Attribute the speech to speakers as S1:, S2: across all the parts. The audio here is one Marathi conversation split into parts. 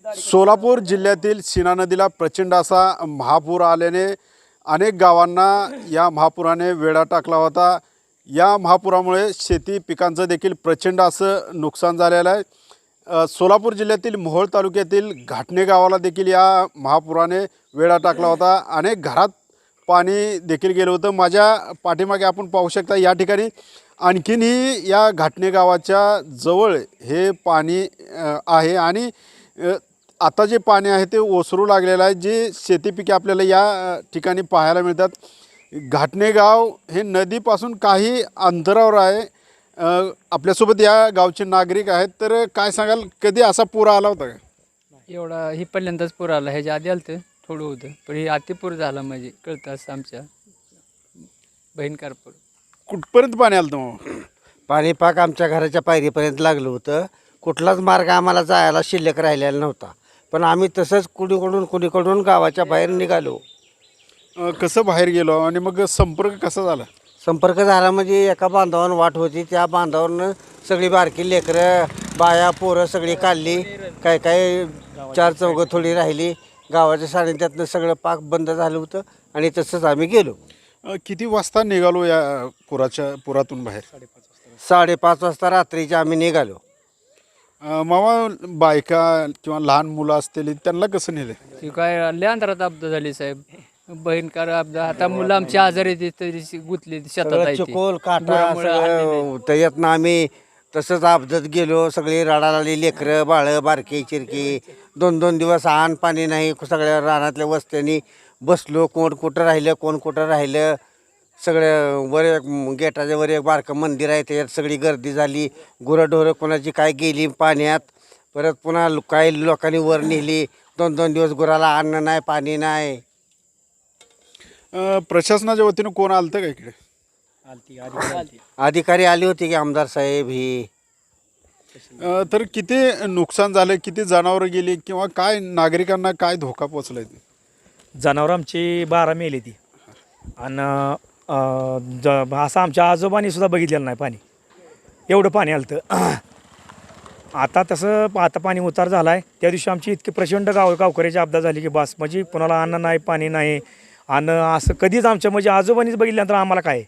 S1: सोलापूर जिल्ह्यातील सीना नदीला प्रचंड असा महापूर आल्याने अनेक गावांना या महापुराने वेढा टाकला होता। या महापुरामुळे शेती पिकांचं देखील प्रचंड असं नुकसान झालेलं आहे। सोलापूर जिल्ह्यातील मोहोळ तालुक्यातील घाटणे गावाला देखील या महापुराने वेढा टाकला होता। अनेक घरात पाणी देखील गेलं होतं। माझ्या पाठीमागे आपण पाहू शकता या ठिकाणी आणखीनही या घाटणे गावाच्या जवळ हे पाणी आहे आणि आता जे पाणी आहे ते ओसरू लागलेलं आहे। जे शेतीपिके आपल्याला या ठिकाणी पाहायला मिळतात। घाटणे गाव हे नदीपासून काही अंतरावर आहे। आपल्यासोबत या गावचे नागरिक आहेत, तर काय सांगाल, कधी असा पूर आला होता का?
S2: एवढा ही पहिल्यांदाच पूर आला, ह्याच्या आधी आलं थोडं होतं, पण हे अतिपूर झाला म्हणजे कळतं असं आमच्या भयंकर पूर।
S1: कुठपर्यंत पाणी आलं होतं?
S3: पाणी पाक आमच्या घराच्या पायरीपर्यंत लागलं होतं। कुठलाच मार्ग आम्हाला जायला शिल्लक राहिलेला नव्हता, पण आम्ही तसंच कुणीकडून गावाच्या बाहेर निघालो।
S1: कसं बाहेर गेलो आणि मग संपर्क कसा झाला?
S3: संपर्क झाला म्हणजे एका बांधावर वाट होती, त्या बांधावरनं सगळी बारकी लेकरं बाया पोरं सगळी काढली। काय काय 4 चौघं थोडी राहिली। गावाच्या सानिध्यातनं सगळं पाक बंद झालं होतं आणि तसंच आम्ही गेलो।
S1: किती वाजता निघालो या पुरातून बाहेर?
S3: 5:30 वाजता रात्रीच्या आम्ही निघालो।
S1: मामा, बायका किंवा लहान मुलं असतील त्यांना कसं नेलं?
S2: ती काय लय अंतरात अपघात झाली साहेब, भयंकर अपघात। आता मुलं आमची आजारी तरी गुतली शेतात आहे ती।
S3: चिकोल काटा सगळं त्याच्यातनं आम्ही तसंच अपघात गेलो। सगळी रडाला लेकरं बाळं बारकी चिरकी 2-2 दिवस आण पाणी नाही। सगळ्या रानातल्या वस्त्यांनी बसलो। कोण कुठं राहिलं कोण कुठं राहिलं। सगळं वर एक गेटाच्या वर एक बारकं मंदिर आहे, त्याच्यात सगळी गर्दी झाली। गुरंढोरं कोणाची काय गेली पाण्यात। परत पुन्हा काही लोकांनी वर नेली। 2-2 दिवस गुराला अन्न नाही पाणी नाही।
S1: प्रशासनाच्या वतीनं कोण आलं का इकडे?
S3: अधिकारी आले होते की आमदार साहेब ही।
S1: तर किती नुकसान झालं, किती जनावरं गेली किंवा काय नागरिकांना काय धोका पोचलाय?
S4: जनावरं आमची 12 मेली ती। आणि असं आमच्या आजोबांनी सुद्धा बघितलेलं नाही पाणी, एवढं पाणी आलं होतं। आता पाणी उतार झाला आहे। त्या दिवशी आमची इतकी प्रचंड गावकऱ्याची आपदा झाली की बस, म्हणजे कोणाला अन्न नाही पाणी नाही। आणि असं कधीच आमच्या म्हणजे आजोबांनीच बघितल्यानंतर आम्हाला काय।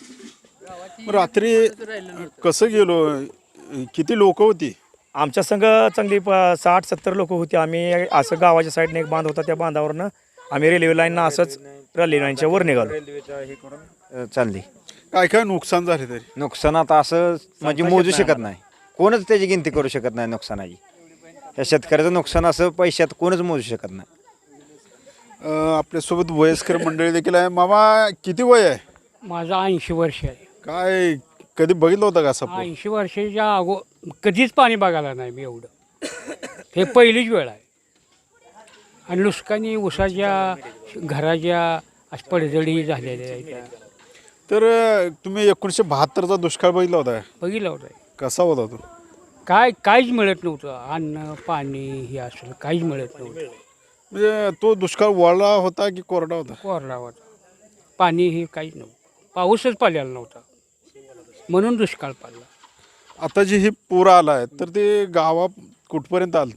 S1: रात्री कसं गेलो? किती लोक होती?
S4: आमच्या संघ चांगली 60-70 लोक होती। आम्ही असं गावाच्या साईडने एक बांध होता, त्या बांधावरनं आम्ही रेल्वे लाईननं असंच रेल्वे लाईनच्या वर निघालो।
S5: चालली
S1: काय काय नुकसान झाले? तरी
S5: नुकसान आता असं म्हणजे मोजू शकत नाही, कोणच त्याची गिनती करू शकत नाही नुकसानाची। या शेतकऱ्याचं नुकसान असं पैशात कोणच मोजू शकत नाही।
S1: आपल्यासोबत वयस्कर मंडळी देखील आहे। मामा, किती वय आहे?
S6: माझं 80 वर्ष आहे।
S1: काय कधी बघितलं होतं का असं पूर?
S6: 80 वर्षाच्या कधीच पाणी बघायला नाही मी एवढं। हे पहिलीच वेळ आहे। आणि नुकसानी उसाच्या घराच्या पडझडी झालेल्या आहेत।
S1: तर तुम्ही 1972चा दुष्काळ बघितला होता?
S6: बघितलं होतं।
S1: कसा होता तो?
S6: काहीच मिळत नव्हतं, अन्न पाणी हे असलं काहीच मिळत नव्हतं।
S1: म्हणजे तो दुष्काळ वळला होता की कोरडा होता?
S6: कोरडा होता, पाणी हे काहीच नव्हतं, पाऊसच पडलेला नव्हता, म्हणून दुष्काळ पडला।
S1: आता जे हे पूर आला आहे तर ते गावा कुठपर्यंत आलं?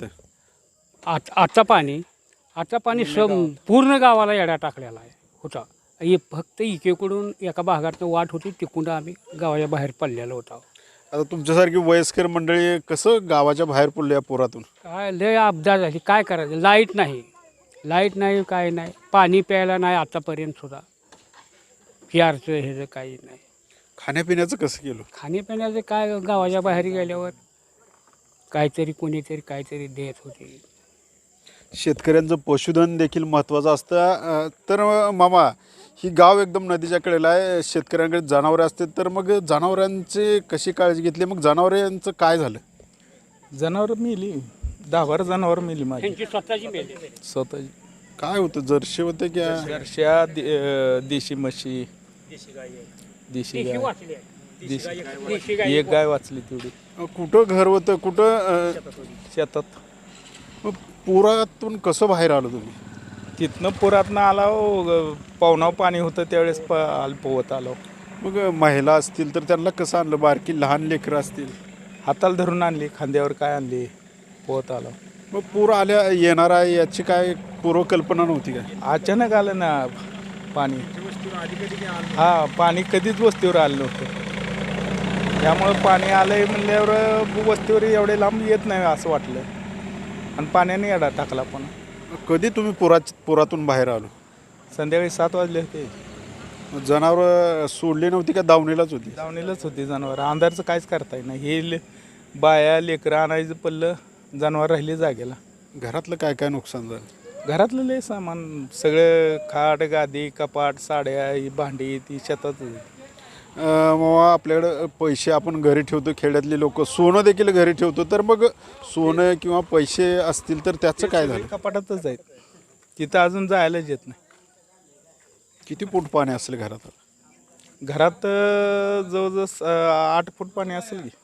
S6: आता पाणी पूर्ण गावाला येडा टाकलेला आहे होता। हे फक्त इकेकडून एका भागातनं वाट होती, तिकडून आम्ही गावाच्या बाहेर पडलेलो होता।
S1: आता तुमच्यासारखी वयस्कर मंडळी कसं गावाच्या बाहेर पडले या पुरातून?
S6: काय लय अपघात झाली, काय करायचं? लाईट नाही काय नाही, पाणी प्यायला नाही आतापर्यंत सुद्धा, प्यारचं ह्याचं काही नाही।
S1: खाण्यापिण्याचं कसं केलं?
S6: खाण्यापिण्याचं काय, गावाच्या बाहेर गेल्यावर काहीतरी कोणीतरी काहीतरी देत होते।
S1: शेतकऱ्यांचं पशुधन देखील महत्त्वाचं असतं। तर मामा, ही गाव एकदम नदीच्या कडेला आहे, शेतकऱ्यांकडे जनावरे असते, तर मग जनावरांची कशी काळजी घेतली? मग जनावरांचं काय झालं?
S7: जनावर मेली, 10-12 जनावर मेली माझी
S6: स्वतःची मेली।
S7: स्वतःची।
S1: काय होतं? जर्शी होते की
S7: जर्श्या, देशी म्हशी, देशी गाय, एक गाय वाचली तेवढी।
S1: कुठं घर होतं, कुठं
S7: शेतात।
S1: मग पुरातून कसं बाहेर आलो तुम्ही?
S7: तिथनं पुरातनं आलो, पावनाव पाणी होतं त्यावेळेस पोहत आलो।
S1: मग महिला असतील तर त्यांना कसं आणलं? बारकी लहान लेकरं असतील,
S7: हाताला धरून आणली, खांद्यावर काय आणली, पोहत आलो।
S1: मग पूर आल्या येणार आहे याची काय पूर्वकल्पना नव्हती काय?
S7: अचानक आलं ना पाणी. हा, पाणी कधीच वस्तीवर आलं नव्हतं. त्यामुळं पाणी आलंय म्हणल्यावर वस्तीवर एवढे लांब येत नाही असं वाटलं. आणि पाण्याने येडा टाकला पण.
S1: कधी तुम्ही पुरातून बाहेर आलो?
S7: संध्याकाळी 7 वाजले होते.
S1: जनावर सोडली नव्हती का दावणीलाच होती?
S7: दावणीलाच होती जनावर. अंधारचं काहीच करता येईना. हे बाया लेकरं आणायचं पडलं, जनावर राहिली जागेला.
S1: घरातलं काय काय नुकसान झालं?
S7: घरातलं लय सामान सगळं, खाट गादी कपाट साड्या ही भांडी ती शेतात होती.
S1: मग आपल्याकडं पैसे आपण घरी ठेवतो, खेड्यातले लोक सोनं देखील घरी ठेवतो, तर मग सोनं किंवा पैसे असतील तर त्याचं काय झालं?
S7: कपाटातच आहेत. तिथं अजून जायलाच येत नाही.
S1: किती फूट पाणी असेल घरात?
S7: घरात जवळजवळ 8 फूट पाणी असेल की.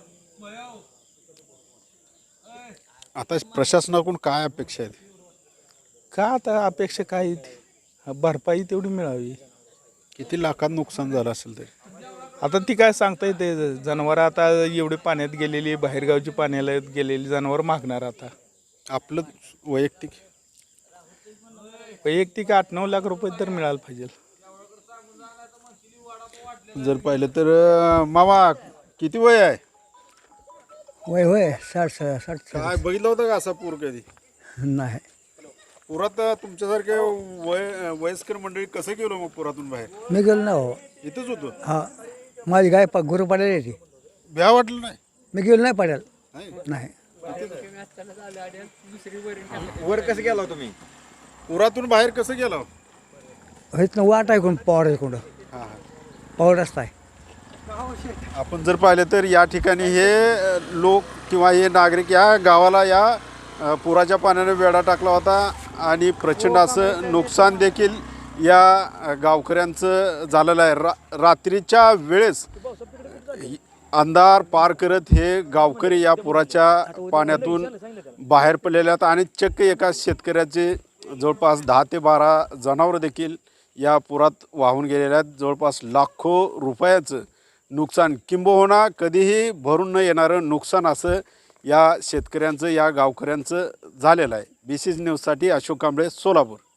S1: आता प्रशासनाकडून काय अपेक्षा आहेत?
S7: का आता अपेक्षा काय आहे ती? भरपाई तेवढी मिळावी.
S1: किती लाखात नुकसान झालं असेल तरी?
S7: आता ती काय सांगता येते. जनावर आता एवढी पाण्यात गेलेली, बाहेरगावची पाण्याला गेलेली जनावर मागणार. आता
S1: आपलं वैयक्तिक
S7: 8-9 लाख रुपये तर मिळायला पाहिजे.
S1: जर पाहिलं तर मामा किती वय आहे?
S8: वय होय 60
S1: काय बघितलं होतं का असा पूर कधी?
S8: नाही.
S1: पुरात तुमच्यासारखे वयस्कर मंडळी कसं गेलो मग पुरातून बाहेर?
S8: मी गेलो ना हो.
S1: इथंच होतो?
S8: हा, माझी गाय गुरु पाड्याला येते.
S1: भ्या वाटलं नाही?
S8: मी गेलो नाही पाड्याला.
S1: नाही?
S8: नाही.
S5: वर कसं गेला तुम्ही?
S1: पुरातून बाहेर कसं गेलो?
S8: इथनं वाट आहे कोण पवार कोण
S1: हां.
S8: पवार रस्ता आहे.
S1: आपण जर पाहिलं तर या ठिकाणी हे लोक किंवा हे नागरिक या गावाला या पुराच्या पाण्याने वेढा टाकला होता आणि प्रचंड असं नुकसान देखील या गावकऱ्यांचं झालेलं आहे. रात्रीच्या वेळेस अंधार पार करत हे गावकरी या पुराच्या पाण्यातून बाहेर पडलेले आहेत आणि चक्क एका शेतकऱ्याचे जवळपास 10 ते 12 जनावरं देखील या पुरात वाहून गेलेले आहेत. जवळपास लाखो रुपयाचं नुकसान, किंबहुना कधीही भरून न येणारं नुकसान असं या शेतकऱ्यांचं, या गावकऱ्यांचं झालेलं आहे. BCG न्यूजसाठी अशोक कांबळे, सोलापूर.